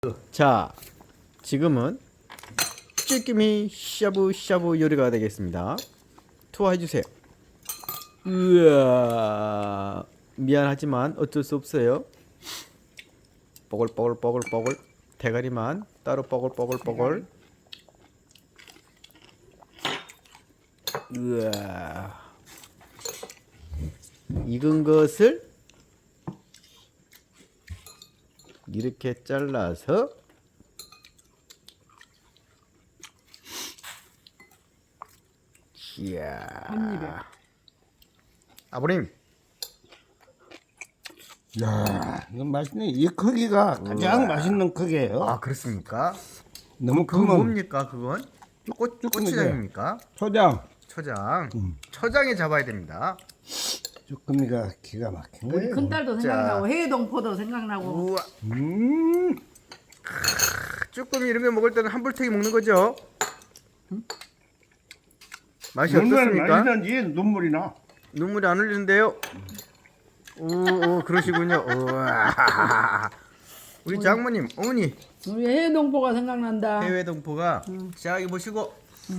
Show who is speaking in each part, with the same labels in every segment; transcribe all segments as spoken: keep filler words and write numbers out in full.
Speaker 1: 자, 지금은 쭈꾸미 샤브샤브 요리가 되겠습니다. 투하해주세요. 으아, 미안하지만 어쩔 수 없어요. 뽀글뽀글뽀글뽀글 대가리만 따로 뽀글뽀글뽀글. 으아, 익은 것을 이렇게 잘라서 이야,
Speaker 2: 한 입에.
Speaker 1: 아버님,
Speaker 3: 야, 이거 맛있네. 이 크기가 가장 맛있는 크기예요.
Speaker 1: 아 그렇습니까?
Speaker 3: 너무
Speaker 1: 그건
Speaker 3: 크면
Speaker 1: 뭡니까 그건? 꽃
Speaker 3: 쭈꾸미죠.
Speaker 1: 고추장입니까?
Speaker 3: 초장.
Speaker 1: 초장. 초장에 잡아야 됩니다.
Speaker 3: 쭈꾸미가 기가 막힌
Speaker 2: 우리
Speaker 3: 거예요.
Speaker 2: 큰딸도
Speaker 1: 자.
Speaker 2: 생각나고 해동포도 생각나고.
Speaker 1: 우와,
Speaker 3: 음,
Speaker 1: 쭈꾸미 이런 거 먹을 때는 한불태기 먹는 거죠? 맛이
Speaker 3: 얼마나
Speaker 1: 어떻습니까?
Speaker 3: 맛있는지 눈물이 나.
Speaker 1: 눈물이 안 흘리는데요? 오, 오 그러시군요. 우와. 우리 장모님, 어머니
Speaker 2: 우리 해동포가 생각난다.
Speaker 1: 해외 동포가 자 여기 보시고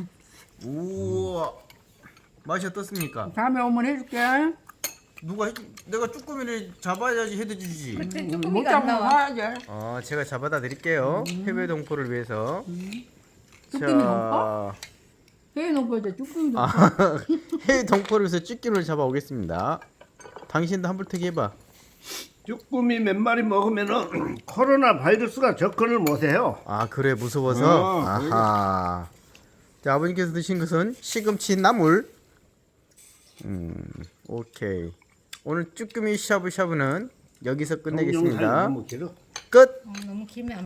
Speaker 1: 우와 맛이 어떻습니까?
Speaker 2: 다음에 오면 해줄게.
Speaker 1: 누가 해, 내가 쭈꾸미를 잡아야지 해드리지.
Speaker 2: 못 잡으면 사야지.
Speaker 1: 어 제가 잡아다 드릴게요. 해외 동포를 위해서.
Speaker 2: 쭈꾸미 동포? 해동포 이제 쭈꾸미 동포.
Speaker 1: 아, 해외 동포를 위해서 쭈꾸미를 잡아 오겠습니다. 당신도 한불태기 해봐.
Speaker 3: 쭈꾸미 몇 마리 먹으면은 코로나 바이러스가 접근을 못해요.
Speaker 1: 아 그래 무서워서.
Speaker 3: 어,
Speaker 1: 아하. 자 아버님께서 드신 것은 시금치 나물. 음 오케이. 오늘 쭈꾸미 샤브샤브는 여기서 끝내겠습니다.
Speaker 3: 너무 길어.
Speaker 1: 끝.
Speaker 4: 너무 길면 안